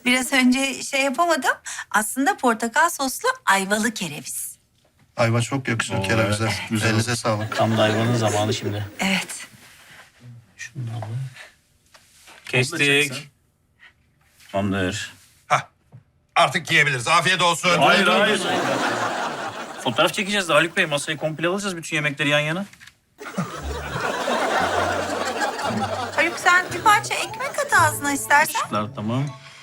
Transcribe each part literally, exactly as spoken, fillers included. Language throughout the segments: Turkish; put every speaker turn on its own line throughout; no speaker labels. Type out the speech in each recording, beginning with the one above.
biraz önce şey yapamadım. Aslında portakal soslu ayvalı kereviz.
Ayva çok yakışır
Oo,
kerevize.
evet, güzel
Elinize sağlık.
Tam da hayvanın zamanı şimdi.
Evet.
Şunu da alalım.
Kestik.
Kestik. Tamamdır.
Hah. Artık yiyebiliriz. Afiyet olsun.
Hayır, hayır. Fotoğraf çekeceğiz de Haluk Bey. Masayı komple alacağız bütün yemekleri yan yana.
Haluk sen bir parça ekmek at ağzına istersen.
Işıklar tamam.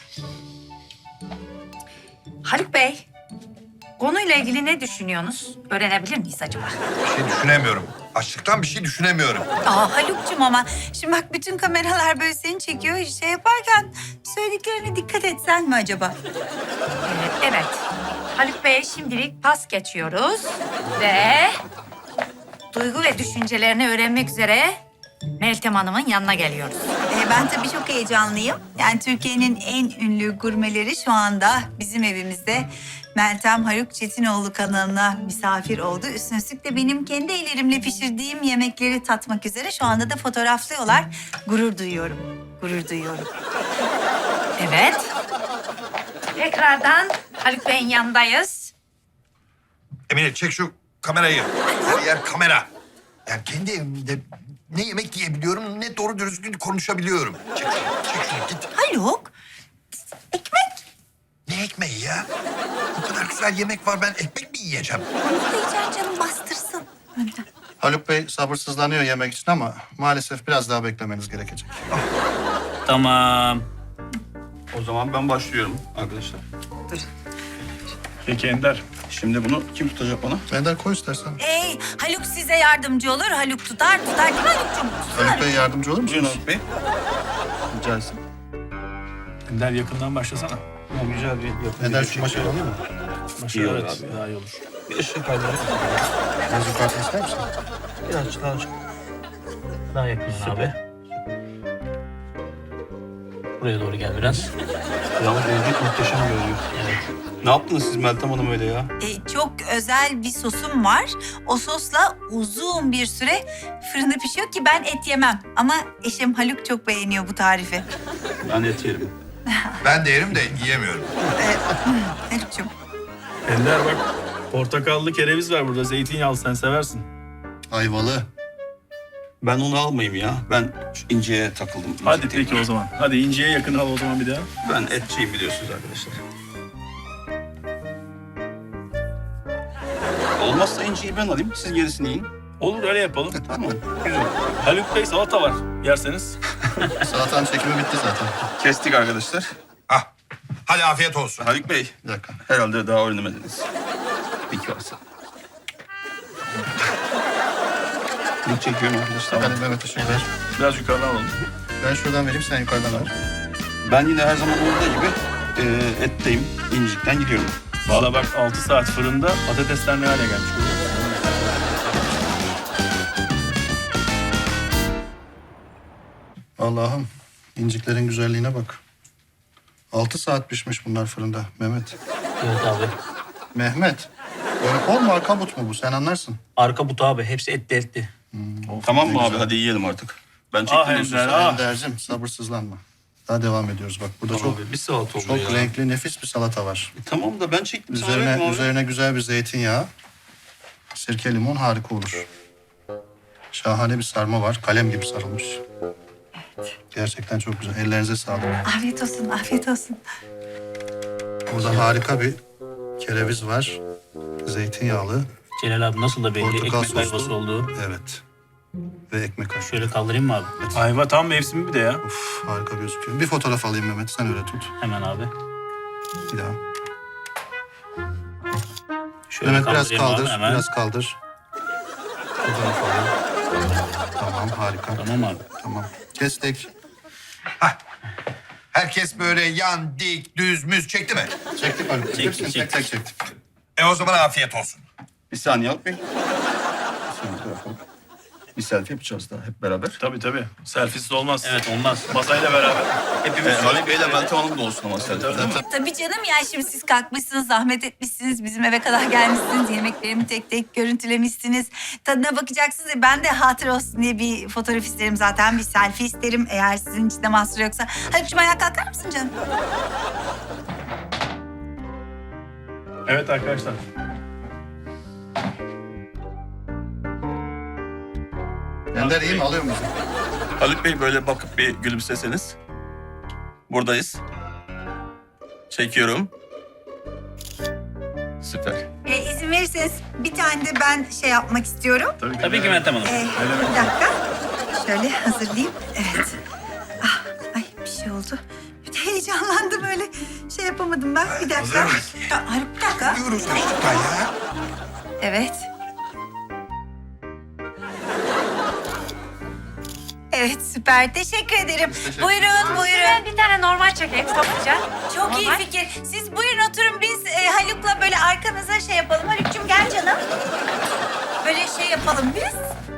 Haluk Bey, konuyla ilgili ne düşünüyorsunuz? Öğrenebilir miyiz acaba?
Bir şey düşünemiyorum. Açlıktan bir şey düşünemiyorum.
Aa Haluk'cum ama şimdi bak bütün kameralar böyle seni çekiyor. Şey yaparken söylediklerine dikkat etsen mi acaba?
Ee, evet. Haluk Bey şimdilik pas geçiyoruz ve duygu ve düşüncelerini öğrenmek üzere Meltem Hanım'ın yanına geliyoruz.
Ee, ben tabii çok heyecanlıyım. Yani Türkiye'nin en ünlü gurmeleri şu anda bizim evimizde. Meltem Haluk Çetinoğlu kanalına misafir oldu. Üstüne üstlük de benim kendi ellerimle pişirdiğim yemekleri tatmak üzere şu anda da fotoğraflıyorlar. Gurur duyuyorum, gurur duyuyorum.
Evet. Tekrardan Haluk Bey'in yanındayız.
Emine çek şu kamerayı. Her yer kamera. Yani kendi evimde ne yemek yiyebiliyorum ne doğru düzgün konuşabiliyorum. Çek şunu, çek şunu git.
Haluk, ekmek.
Ne ekmeği ya? Bu kadar güzel yemek var ben ekmek mi yiyeceğim?
Onu yiyeceksin canım bastırsın.
Haluk Bey sabırsızlanıyor yemek için ama maalesef biraz daha beklemeniz gerekecek.
Tamam.
O zaman ben başlıyorum arkadaşlar.
Peki Ender.
Şimdi bunu kim tutacak bana?
Ender koy istersen.
Ey Haluk size yardımcı olur. Haluk tutar, tutar değil mi Haluk'cum?
Haluk Bey yardımcı olur
Buyurun
musunuz?
Haluk Bey. Rica etsin.
Ender yakından başlasana.
Ya, güzel bir yapı.
Ender şu maşayı alayım mı?
Başla
İyi olur
evet.
abi.
Daha iyi olur.
Bir ışık kaydı.
Biraz yukarıda ister misin?
Birazcık daha açık.
Daha yakından abi. Buraya doğru gel biraz.
Yalnız evlilik muhteşem görünüyor.
Evet.
Ne yaptınız siz Meltem Hanım öyle ya?
E, çok özel bir sosum var. O sosla uzun bir süre fırında pişiyor ki ben et yemem. Ama eşim Haluk çok beğeniyor bu tarifi.
Ben et yerim.
Ben de yerim de yiyemiyorum.
Haluk'cum.
Ender bak. Portakallı kereviz var burada. Zeytinyağlı sen seversin.
Ayvalı.
Ben onu almayayım ya. Ben şu inceye takıldım.
Hadi
İnce
peki o zaman. Hadi inciye yakın al o zaman bir daha.
Ben etçiyim biliyorsunuz arkadaşlar. Olmazsa inciyi ben alayım. Siz gerisini yiyin.
Olur öyle yapalım.
Tamam. Güzel.
Haluk Bey salata var. Yerseniz.
Salatanın çekimi bitti zaten.
Kestik arkadaşlar.
Ah. Hadi afiyet olsun.
Haluk Bey.
Bir dakika.
Herhalde daha öğrenemediniz. Peki varsa. İlk çekiyorum arkadaşlar.
Hadi Mehmet ışığı ver.
Biraz yukarıdan alalım.
Ben şuradan vereyim sen yukarıdan ver.
Ben yine her zaman olduğu gibi e, etteyim. İncikten gidiyorum.
Valla bak altı saat fırında patatesler ne hale gelmiş.
Allah'ım inciklerin güzelliğine bak. Altı saat pişmiş bunlar fırında Mehmet.
Evet abi.
Mehmet. Böyle kol mu arka but mu bu sen anlarsın.
Arka butu abi. Hepsi etli etli.
Tamam
ne
mı abi?
güzel.
Hadi yiyelim artık. Ben
Ah
çektim.
Ender,
diyorsunuz.
ah.
Ender'cim sabırsızlanma. Daha devam ediyoruz bak. Burada
Tamam
çok
abi. Bir saat oldu
çok
ya.
renkli nefis bir salata var.
E, tamam da ben çektim. Sana
Üzerine
verdim abi.
üzerine güzel bir zeytinyağı. Sirke limon harika olur. Şahane bir sarma var. Kalem gibi sarılmış. Gerçekten çok güzel. Ellerinize sağlık.
Afiyet olsun, afiyet olsun.
Burada harika bir kereviz var. Zeytinyağlı.
Celal abi nasıl da belli
Portakal
ekmek
soslu.
ayvası olduğu.
Evet. Ve ekmek kaşığı.
Şöyle kaldırayım mı abi? Ayva tam mevsimi bir de ya.
Uf, harika gözüküyor. Bir fotoğraf alayım Mehmet. Sen öyle tut.
Hemen abi.
Bir daha.
Şöyle
Mehmet biraz
kaldırayım abi
kaldır.
hemen.
Biraz kaldır. Fotoğraf alayım. Tamam harika.
Tamam abi.
Tamam. Kestik.
Herkes böyle yan, dik, düz, müz çekti mi?
Çektik abi.
Çektik,
Hepsini tek tek çektik.
E o zaman afiyet olsun.
Bir saniye Haluk Bey. Bir saniye bırakalım. Bir selfie yapacağız daha hep beraber.
Tabii tabii. Selfiesiz olmaz. Evet olmaz. Masayla beraber. Hepimiz
E, Haluk Bey'le Meltem Hanım da olsun ama selfie. değil mi?
Tabii canım ya şimdi siz kalkmışsınız, zahmet etmişsiniz, bizim eve kadar gelmişsiniz, yemeklerimi tek tek görüntülemişsiniz. Tadına bakacaksınız ya ben de hatır olsun diye bir fotoğraf isterim zaten, bir selfie isterim eğer sizin için de mahsur yoksa. Haluk'cum ayağa kalkar mısın canım?
Evet arkadaşlar.
Ender iyi mi? Alıyor musun?
Haluk Bey böyle bakıp bir gülümseseniz. Buradayız. Çekiyorum. Süper.
E, izin verirseniz bir tane de ben şey yapmak istiyorum.
Tabii ki Meltem Hanım.
E, bir dakika. Şöyle hazırlayayım. Evet. Ah, ay bir şey oldu. Bir de heyecanlandım öyle. Şey yapamadım ben. Bir dakika.
Hazır mısın?
Ya, Haluk bir dakika.
Diyoruz çocuklar ya.
Evet. Evet süper. Teşekkür ederim. Buyurun buyurun.
Ben bir tane normal çekeyim topluca.
Çok iyi
Normal.
fikir. Siz buyurun oturun biz e, Haluk'la böyle arkanıza şey yapalım. Haluk'cum gel canım. Böyle şey yapalım biz.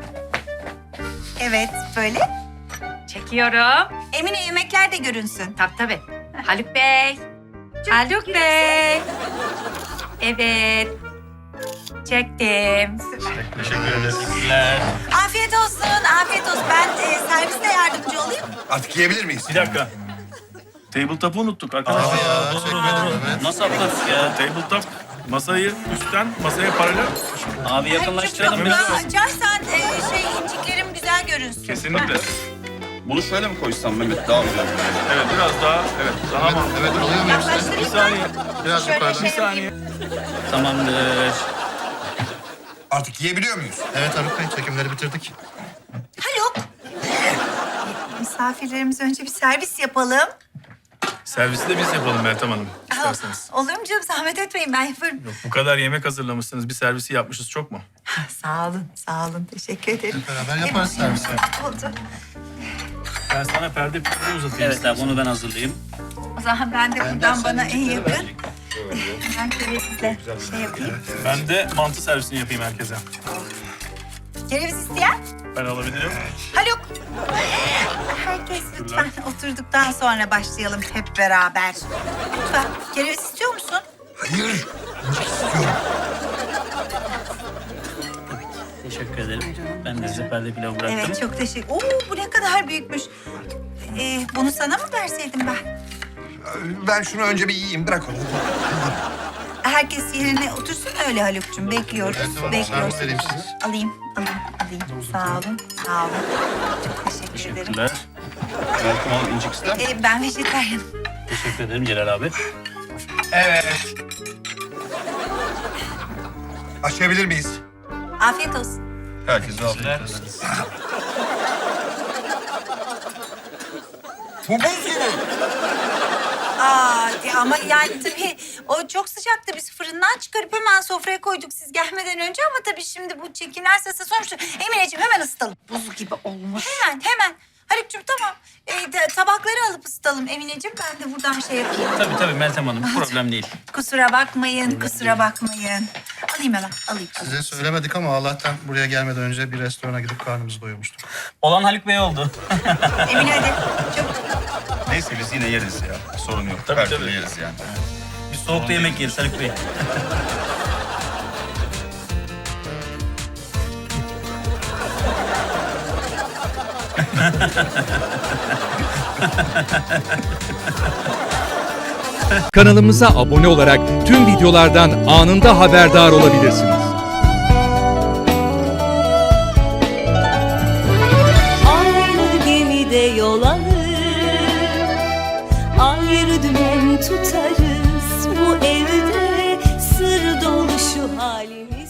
Evet böyle.
Çekiyorum.
Emine yemekler de görünsün.
Tabii tabii. Haluk Bey. Haluk Bey. Evet. Çektim.
Teşekkür ederiz. Teşekkürler.
Afiyet olsun, afiyet olsun. Ben e, serviste yardımcı olayım.
Artık yiyebilir miyiz?
Bir dakika. Tabletop'u unuttuk arkadaşlar.
ya,
Doğru,
teşekkür
doğru,
ederim,
doğru.
evet.
Nasıl atladık ya?
Tabletop masayı üstten masaya paralel.
Abi yakınlaştıralım
Çok
biraz.
daha açarsan e, şey inciklerim güzel görünsün.
Kesinlikle.
Bunu şöyle mi koysam Mehmet? Daha güzel.
Evet biraz daha. Evet daha mı?
Evet alıyor muyum size?
Yaklaştırayım
Bir saniye.
Biraz
Şöyle
yukarıdan.
şey
Bir saniye.
Tamamdır.
Artık yiyebiliyor muyuz?
Evet Haluk Bey çekimleri bitirdik.
Haluk. Misafirlerimize önce bir servis yapalım.
Servisi de biz yapalım Meltem Hanım isterseniz.
Olur mu canım? Zahmet etmeyin ben yaparım.
Yok, bu kadar yemek hazırlamışsınız. Bir servisi yapmışız çok mu?
Sağ olun, sağ olun. Teşekkür ederim.
Beraber yaparız servisi.
Oldu.
Ben sana perde perde uzatayım.
Evet abi onu ben hazırlayayım.
O zaman ben de buradan bana en yakın. Ben kerevizle şey yapayım.
Ben de mantı servisini yapayım herkese.
Kereviz isteyen?
Ben alabilirim.
Haluk. Herkes lütfen oturduktan sonra başlayalım hep beraber. Lütfen. Kereviz istiyor musun?
Hayır. Önce istiyorum.
Teşekkür ederim. Ben de size perde pilavı bıraktım.
Evet çok teşekkür. Oo bu ne kadar büyükmüş. Ee, bunu sana mı verseydim ben?
Ben şunu önce bir yiyeyim. Bırak onu.
Herkes yerine otursun öyle Haluk'cum. Bekliyoruz,
Evet, tamam.
bekliyoruz.
Servis vereyim size.
Alayım, alayım, alayım. Sağ olun, sağ olun. Çok teşekkür ederim.
Teşekkürler.
Meltem Hanım incik ister mi?
Ee, ben vejetaryenim.
Teşekkür ederim Celal abi.
Evet. Açabilir miyiz?
Afiyet olsun.
Herkese afiyet olsun.
Bu buz gibi.
Aa, de- ama yani tabii o çok sıcaktı. Biz fırından çıkarıp hemen sofraya koyduk siz gelmeden önce. Ama tabii şimdi bu çekimler sırasında sonuçta Emineciğim hemen ısıtalım.
Buz gibi olmuş.
Hemen, hemen. Haluk'cum tamam. Ee, de- tabakları alıp ısıtalım Emineciğim. Ben de buradan şey yapayım.
Tabii tabii Meltem Hanım problem değil.
Kusura bakmayın, kusura bakmayın. Alayım hemen, alayım.
Size söylemedik ama Allah'tan buraya gelmeden önce bir restorana gidip karnımızı doyurmuştuk.
Olan Haluk Bey oldu.
Emine hadi. Çabuk.
Neyse biz yine yeriz ya. Sorun yok.
Tabii,
Her
tabii.
türlü yeriz yani.
Biz soğukta yemek yeriz Haluk Bey.
Kanalımıza abone olarak tüm videolardan anında haberdar olabilirsiniz.
Aynı gemide yol alır, ayrı dümen tutarız. Bu evde sır dolu şu halimiz.